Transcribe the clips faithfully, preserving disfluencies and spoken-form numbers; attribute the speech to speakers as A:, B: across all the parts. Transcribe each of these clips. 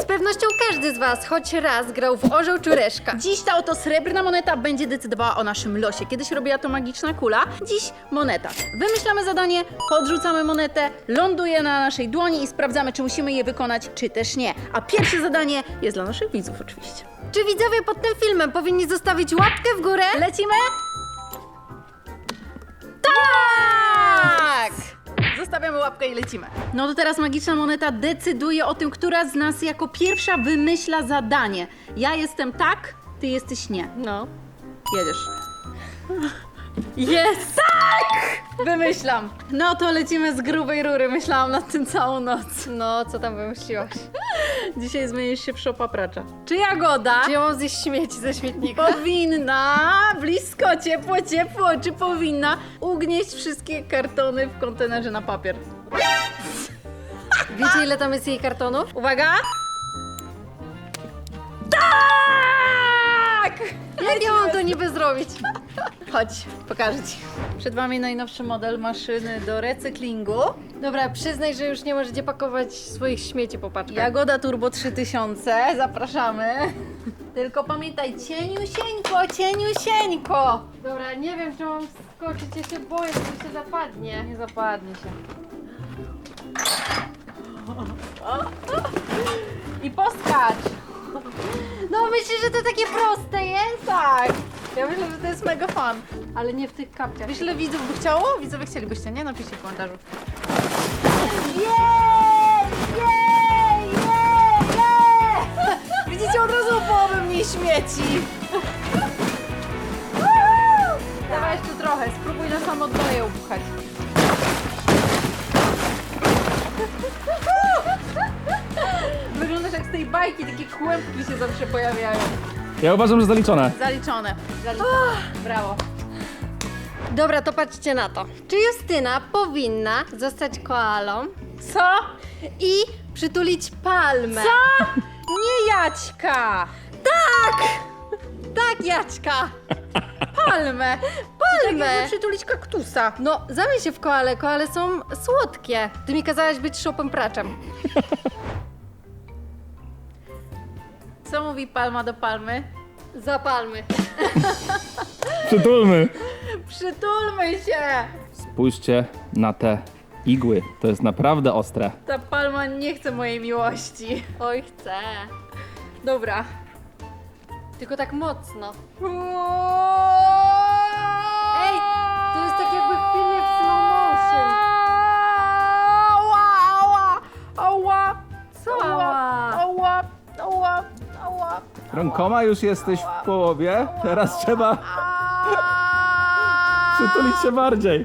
A: pewnością każdy z was choć raz grał w orzeł czy reszka.
B: Dziś ta oto srebrna moneta będzie decydowała o naszym losie. Kiedyś robiła to magiczna kula, dziś moneta. Wymyślamy zadanie, podrzucamy monetę, ląduje na naszej dłoni i sprawdzamy, czy musimy je wykonać, czy też nie. A pierwsze zadanie jest dla naszych widzów oczywiście.
A: Czy widzowie pod tym filmem powinni zostawić łapkę w górę?
B: Lecimy? Tak! Zostawiamy łapkę i lecimy. No to teraz magiczna moneta decyduje o tym, która z nas jako pierwsza wymyśla zadanie. Ja jestem tak, ty jesteś nie.
A: No.
B: Jedziesz. Jest! Tak! Wymyślam. No to lecimy z grubej rury. Myślałam nad tym całą noc.
A: No, co tam wymyśliłaś?
B: Dzisiaj zmienisz się w szopapracza. Czy Jagoda
A: Czy ja mam zjeść śmieci ze śmietnika?
B: powinna, blisko, ciepło, ciepło, czy powinna ugnieść wszystkie kartony w kontenerze na papier?
A: Wiecie, ile tam jest jej kartonów?
B: Uwaga! Tak!
A: Jak ja mam to niby zrobić?
B: Chodź, pokażę ci. Przed wami najnowszy model maszyny do recyklingu.
A: Dobra, przyznaj, że już nie możecie pakować swoich śmieci po paczkach.
B: Jagoda Turbo trzy tysiące, zapraszamy. Tylko pamiętaj, cieniusieńko, cieniusieńko.
A: Dobra, nie wiem, czy mam skoczyć, ja się boję, że mi się zapadnie.
B: Nie zapadnie się. I poskacz.
A: No myślisz, że to takie proste jest?
B: Tak. Ja myślę, że to jest mega fun.
A: Ale nie w tych kapciach.
B: Wiesz, ile widzów by chciało? Widzowie chcielibyście, nie? Napiszcie w komentarzu. Jej! Jej! Jej! Jej! Widzicie, od razu o połowę mniej śmieci. Dawaj jeszcze trochę, spróbuj na samo dno je upchać. Wyglądasz jak z tej bajki, takie kłębki się zawsze pojawiają.
C: Ja uważam, że zaliczone.
B: Zaliczone. Zaliczone. Brawo.
A: Dobra, to patrzcie na to. Czy Justyna powinna zostać koalą
B: Co?
A: i przytulić palmę?
B: Co? Nie Jaćka!
A: Tak! Tak, Jaćka!
B: Palmę!
A: Palmę!
B: Tak jakby przytulić kaktusa.
A: No, zamień się w koale, koale są słodkie. Ty mi kazałaś być szopem praczem.
B: Co mówi palma do palmy?
A: Za palmy.
C: Przytulmy.
B: Przytulmy się!
C: Spójrzcie na te igły. To jest naprawdę ostre.
B: Ta palma nie chce mojej miłości.
A: Oj, chcę.
B: Dobra.
A: Tylko tak mocno. Ej, to jest tak jakby w filmie w slow motion.
B: Ała, ała, ała.
A: Co
B: Ała,
A: ała?
B: ała, ała, ała.
C: Rękoma już jesteś w połowie. Teraz trzeba
B: Ała.
C: przytulić się bardziej.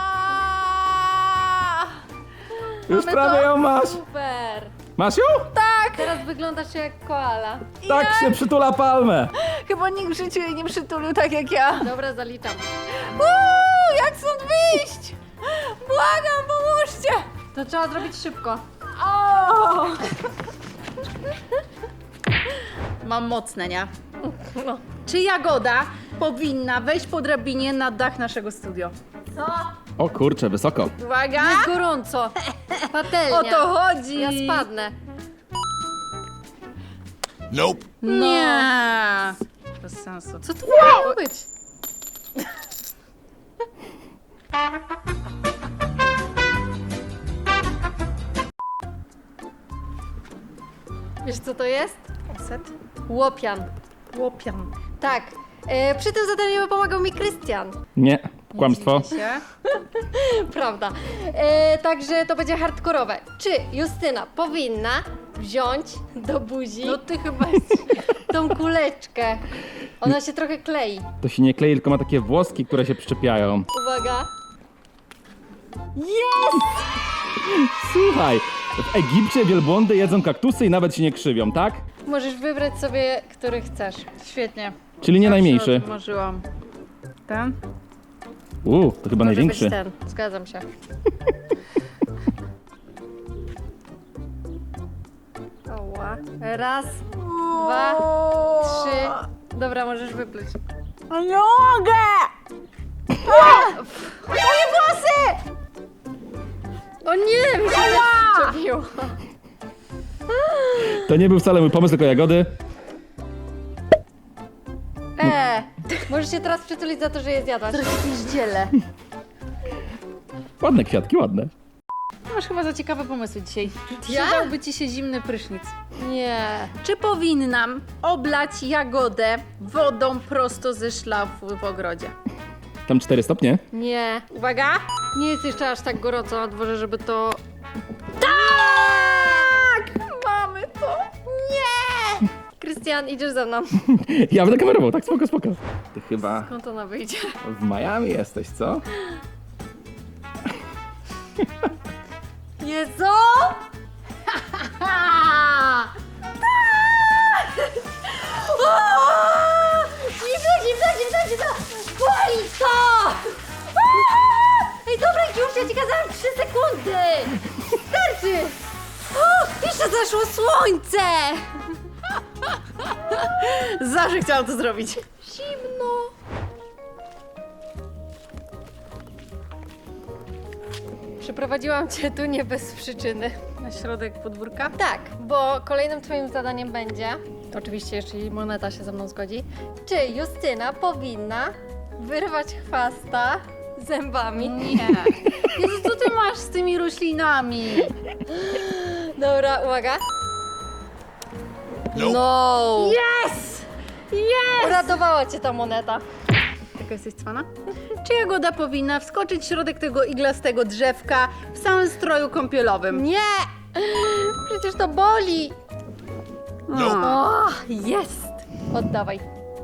B: Ała.
C: Już
B: Mamy
C: prawie
B: to?
C: ją masz.
A: Super.
C: Masz ją?
B: Tak!
A: Teraz wyglądasz jak koala.
C: Tak się przytula palmę.
B: Chyba nikt w życiu jej nie przytulił tak jak ja.
A: Dobra, zaliczam.
B: Uuu, jak stąd wyjść? Błagam, pomóżcie!
A: To trzeba zrobić szybko.
B: O! Mam mocne, nie?
A: No.
B: Czy Jagoda powinna wejść po drabinie na dach naszego studio?
A: Co?
C: O kurczę, wysoko.
B: Uwaga!
A: Jest gorąco. Patelnia.
B: O to chodzi!
A: Ja spadnę.
D: Nope.
B: Nie! Bez sensu.
A: Co tu miało być? Wiesz co to jest?
B: Set?
A: Łopian.
B: Łopian.
A: Tak. E, przy tym zadaniu pomagał mi Krystian.
C: Nie, kłamstwo.
B: Się.
A: Prawda. E, także to będzie hardkorowe. Czy Justyna powinna wziąć do buzi
B: No ty chyba jesteś...
A: tą kuleczkę? Ona się trochę klei.
C: To się nie klei, tylko ma takie włoski, które się przyczepiają.
A: Uwaga.
B: Jest!
C: Słuchaj, w Egipcie wielbłądy jedzą kaktusy i nawet się nie krzywią, tak?
A: Możesz wybrać sobie, który chcesz.
B: Świetnie.
C: Czyli nie
B: Zawsze
C: najmniejszy.
B: o tym marzyłam. Ten?
C: Uuu, to chyba
A: Może
C: największy.
A: być ten. Zgadzam się. Oła. Raz, dwa, trzy. Dobra, możesz wypluć.
B: A nie mogę! Moje włosy!
A: O nie, mi się też przyczepiło.
C: To nie był wcale mój pomysł, tylko jagody.
A: Eee, możesz się teraz przytulić za to, że je zjadłaś.
B: Jakieś dziele.
C: Ładne kwiatki, ładne.
B: Masz chyba za ciekawe pomysły dzisiaj.
A: Ja?
B: Przydałby ci się zimny prysznic.
A: Nie.
B: Czy powinnam oblać jagodę wodą prosto ze szlafu w ogrodzie?
C: Tam cztery stopnie.
A: Nie.
B: Uwaga!
A: Nie jest jeszcze aż tak gorąco na dworze, żeby to...
B: Tak! Mamy to!
A: Nie! Krystian, idziesz ze mną.
C: Ja będę kamerował, tak spoko, spoko. Ty chyba
A: Skąd ona wyjdzie?
C: w Miami jesteś, co?
A: Jezu! Zimno, zimno, zimno, zimno! Boli to! Ej, dobra, już ja ci kazałam trzy sekundy! Starczy! O, jeszcze zaszło słońce!
B: Zawsze chciałam to zrobić.
A: Zimno! Przyprowadziłam cię tu nie bez przyczyny.
B: Na środek podwórka?
A: Tak, bo kolejnym twoim zadaniem będzie, oczywiście jeśli Moneta się ze mną zgodzi, czy Justyna powinna wyrwać chwasta zębami.
B: Nie. Jezu, co ty masz z tymi roślinami?
A: Dobra, uwaga. No!
B: Yes! Yes!
A: Uratowała cię ta moneta.
B: Taka jesteś cwana? Czy jagoda powinna wskoczyć w środek tego iglastego drzewka w samym stroju kąpielowym?
A: Nie! Przecież to boli!
B: No.
A: O, jest! Oddawaj.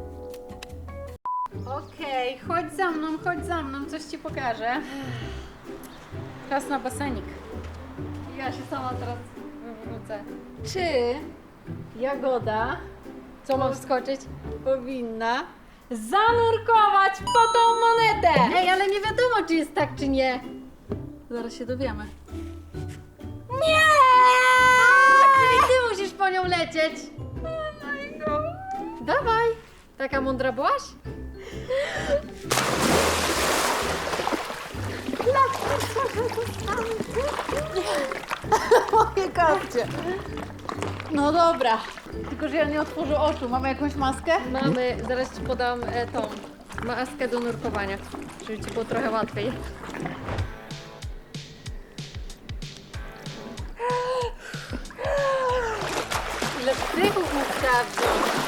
B: Okej, chodź za mną, chodź za mną, coś ci pokażę. Czas na basenik.
A: Ja się sama teraz wywrócę.
B: Czy jagoda
A: Co mam wskoczyć?
B: powinna zanurkować po tą monetę?
A: Ej, ale nie wiadomo, czy jest tak, czy nie.
B: Zaraz się dowiemy.
A: Nie! Czyli ty musisz po nią lecieć. Dawaj. Taka mądra byłaś?
B: Moje kapcie. No dobra. Tylko, że ja nie otworzę oczu. Mamy jakąś maskę?
A: Mamy, zaraz ci podam e, tą maskę do nurkowania, żeby ci było trochę łatwiej. Ile wtrychów mu sprawdził.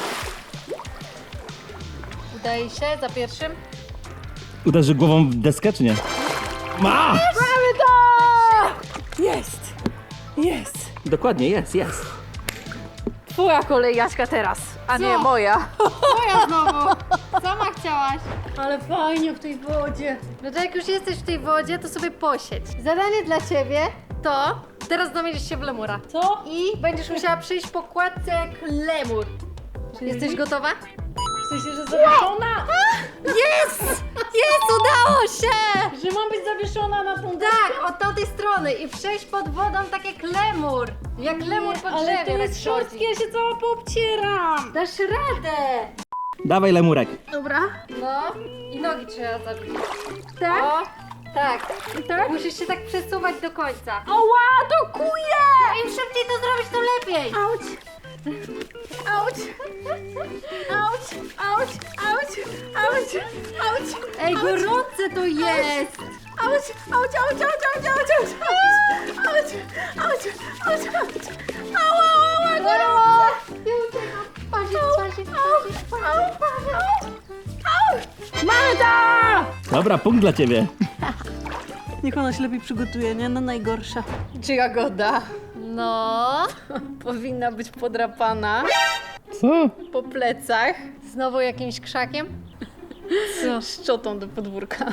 A: Udaje się za pierwszym.
C: Uderzy głową w deskę, czy nie? Masz!
B: Mamy to! Jest! Jest!
C: Dokładnie, jest, jest.
B: Twoja kolej, Jaśka, teraz, a nie
A: Co?
B: moja.
A: Moja znowu! Sama chciałaś.
B: Ale fajnie w tej wodzie.
A: No to jak już jesteś w tej wodzie, to sobie posiedź. Zadanie dla ciebie to teraz zamienisz się w lemura.
B: Co?
A: I będziesz musiała przyjść po kładce jak lemur. Jesteś gotowa?
B: W sensie, że zawieszona?
A: Jest! Jest! Udało się!
B: Że mam być zawieszona na tą
A: Tak, od tamtej strony i przejść pod wodą tak jak lemur. Jak lemur po drzewie.
B: Ale to jest
A: tak
B: szorstkie,
A: chodzi.
B: ja się cała poobcieram.
A: Dasz radę!
C: Dawaj, lemurek.
B: Dobra.
A: No i nogi trzeba zabić.
B: Tak?
A: O, tak.
B: I tak?
A: Musisz się tak przesuwać do końca.
B: Ała, to kuje!
A: Im szybciej to zrobić, to lepiej.
B: Auć! Auć! Auć! Auć! Auć! Auć! Auć!
A: Ej, gorące to jest!
B: Auć! Auć! Auć! Auć! Auć! Auć! Auć! Auć! Auć! Auć! Ała! Ała! Gorące!
A: Ja uciekam. Pazik, pazik, pazik, pazik, pazik.
B: Mamy to!
C: Dobra, punkt dla ciebie.
B: Niech ona się lepiej przygotuje, nie? Na najgorsza. Czy jagoda
A: No,
B: powinna być podrapana
C: Co?
B: po plecach
A: znowu jakimś krzakiem? Co?
B: szczotą do podwórka?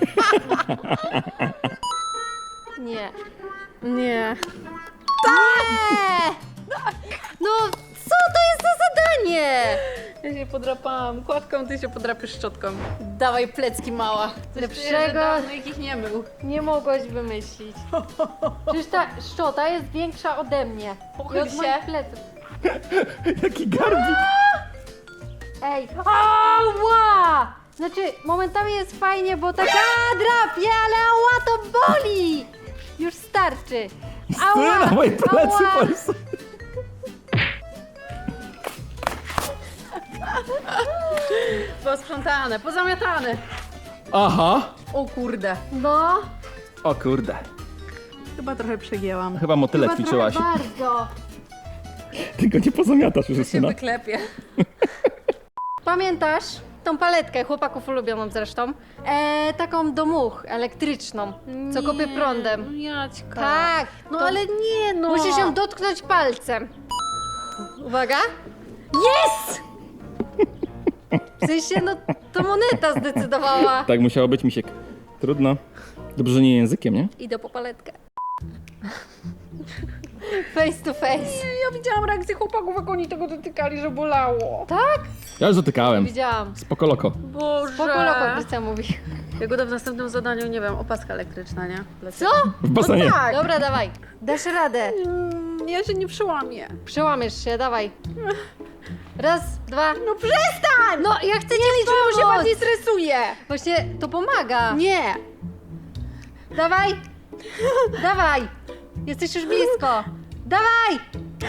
A: Nie.
B: Nie.
A: Nie! No, co to jest za zadanie?
B: Ja się podrapałam kładką, ty się podrapiesz szczotką. Dawaj plecki, mała. Coś
A: Lepszego-
B: czuję, że dawno ich nie mył.
A: Nie mogłaś wymyślić. Przecież ta szczota jest większa ode mnie. I
B: Pochyl
A: od
B: się.
A: moich pleców.
C: Jaki garbik.
A: Ej, ała! Znaczy, momentami jest fajnie, bo tak a, drapie, ale ała to boli! Już starczy.
C: Ty na moje plecy
A: ała.
C: po prostu.
B: Posprzątane, pozamiatane.
C: Aha!
B: O kurde,
A: No,
C: O kurde.
B: chyba trochę przegięłam.
C: Chyba motyle
A: chyba
C: ćwiczyłaś.
A: trochę bardzo.
C: Tylko nie pozamiatasz już,
B: Się
C: Justyna.
B: wyklepie.
A: Pamiętasz tą paletkę, chłopaków ulubioną zresztą? E, taką do much, elektryczną, co kopie prądem.
B: No Jaćka.
A: Tak,
B: No
A: to
B: ale nie no.
A: musisz ją dotknąć palcem. Uwaga. Jest! W sensie, no to moneta zdecydowała.
C: Tak musiało być, Misiek. Trudno. Dobrze, że nie językiem, nie?
A: Idę po paletkę. Face to face.
B: Ja widziałam reakcję chłopaków, jak oni tego dotykali, że bolało.
A: Tak?
C: Ja już dotykałem.
A: Widziałam.
C: Spoko loko.
B: Boże.
A: Spoko loko, Krystian mówi.
B: Jak go w następnym zadaniu, nie wiem, opaska elektryczna, nie?
A: Co?
C: W basenie.
B: Tak.
A: Dobra, dawaj. Dasz radę.
B: Mm, ja się nie przełamię.
A: Przełamiesz się, dawaj. Raz, dwa.
B: No przestań!
A: No, ja chcę nie liczyć,
B: Czemu się bardziej stresuje?
A: Właśnie to pomaga.
B: Nie.
A: Dawaj. Dawaj. Jesteś już blisko. Dawaj.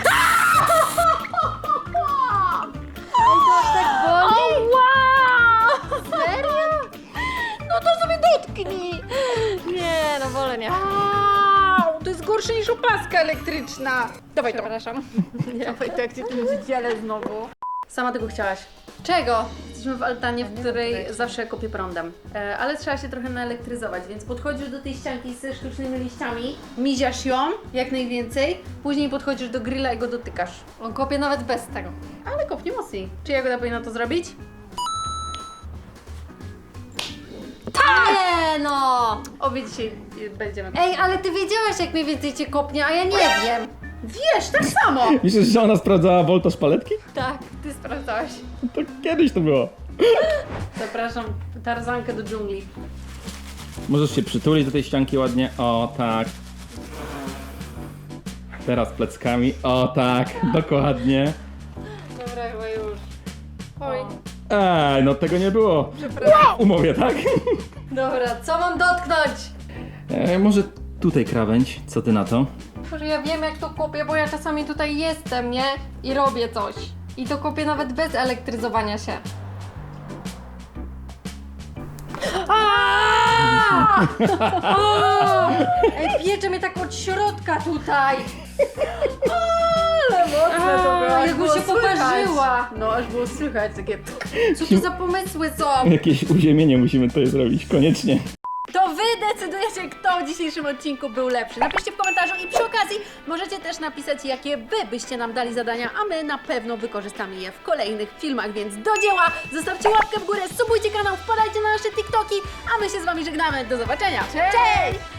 A: Ej, to aż tak boli?
B: wow!
A: Serio?
B: No to sobie dotknij.
A: Nie, no wolę nie.
B: Au, to jest gorsze niż opaska elektryczna. Dawaj to.
A: Przepraszam. Nie.
B: Dawaj to, jak cię tym dzielę znowu. Sama tego chciałaś.
A: Czego?
B: Jesteśmy w altanie, w której zawsze kopię prądem. E, ale trzeba się trochę naelektryzować, więc podchodzisz do tej ścianki ze sztucznymi liściami, miziasz ją jak najwięcej, później podchodzisz do grilla i go dotykasz.
A: On kopie nawet bez tego.
B: Ale kopnie mocniej. Czy Jagoda powinna to zrobić?
A: Nie no!
B: Obie dzisiaj y, będziemy.
A: Ej, ale ty wiedziałaś, jak mniej więcej cię kopnie, a ja nie wiem.
B: Wiesz, tak samo!
C: Myślisz, że ona sprawdzała woltaż paletki?
A: Tak, ty sprawdzałaś.
C: To kiedyś to było.
B: Zapraszam Tarzankę do dżungli.
C: Możesz się przytulić do tej ścianki ładnie. O tak. Teraz pleckami. O tak, dokładnie.
A: Dobra, chyba już. Oj.
C: Ej, no tego nie było. Wow, umowie, tak?
A: Dobra, co mam dotknąć?
C: E, może tutaj krawędź, co ty na to?
A: Boże, ja wiem, jak to kopię, bo ja czasami tutaj jestem, nie? I robię coś. I to kopię nawet bez elektryzowania się. Aaaa! O! Ej, piecze mnie tak od środka tutaj.
B: Ale mocne to było,
A: A,
B: aż
A: jak mu
B: było
A: się
B: słychać.
A: poparzyła.
B: No, aż było słychać takie...
A: Co to za pomysły są?
C: Jakieś uziemienie musimy tutaj zrobić, koniecznie.
B: To wy decydujecie, kto w dzisiejszym odcinku był lepszy. Napiszcie w komentarzu i przy okazji możecie też napisać, jakie wy byście nam dali zadania, a my na pewno wykorzystamy je w kolejnych filmach, więc do dzieła! Zostawcie łapkę w górę, subujcie kanał, wpadajcie na nasze TikToki, a my się z wami żegnamy. Do zobaczenia! Cześć!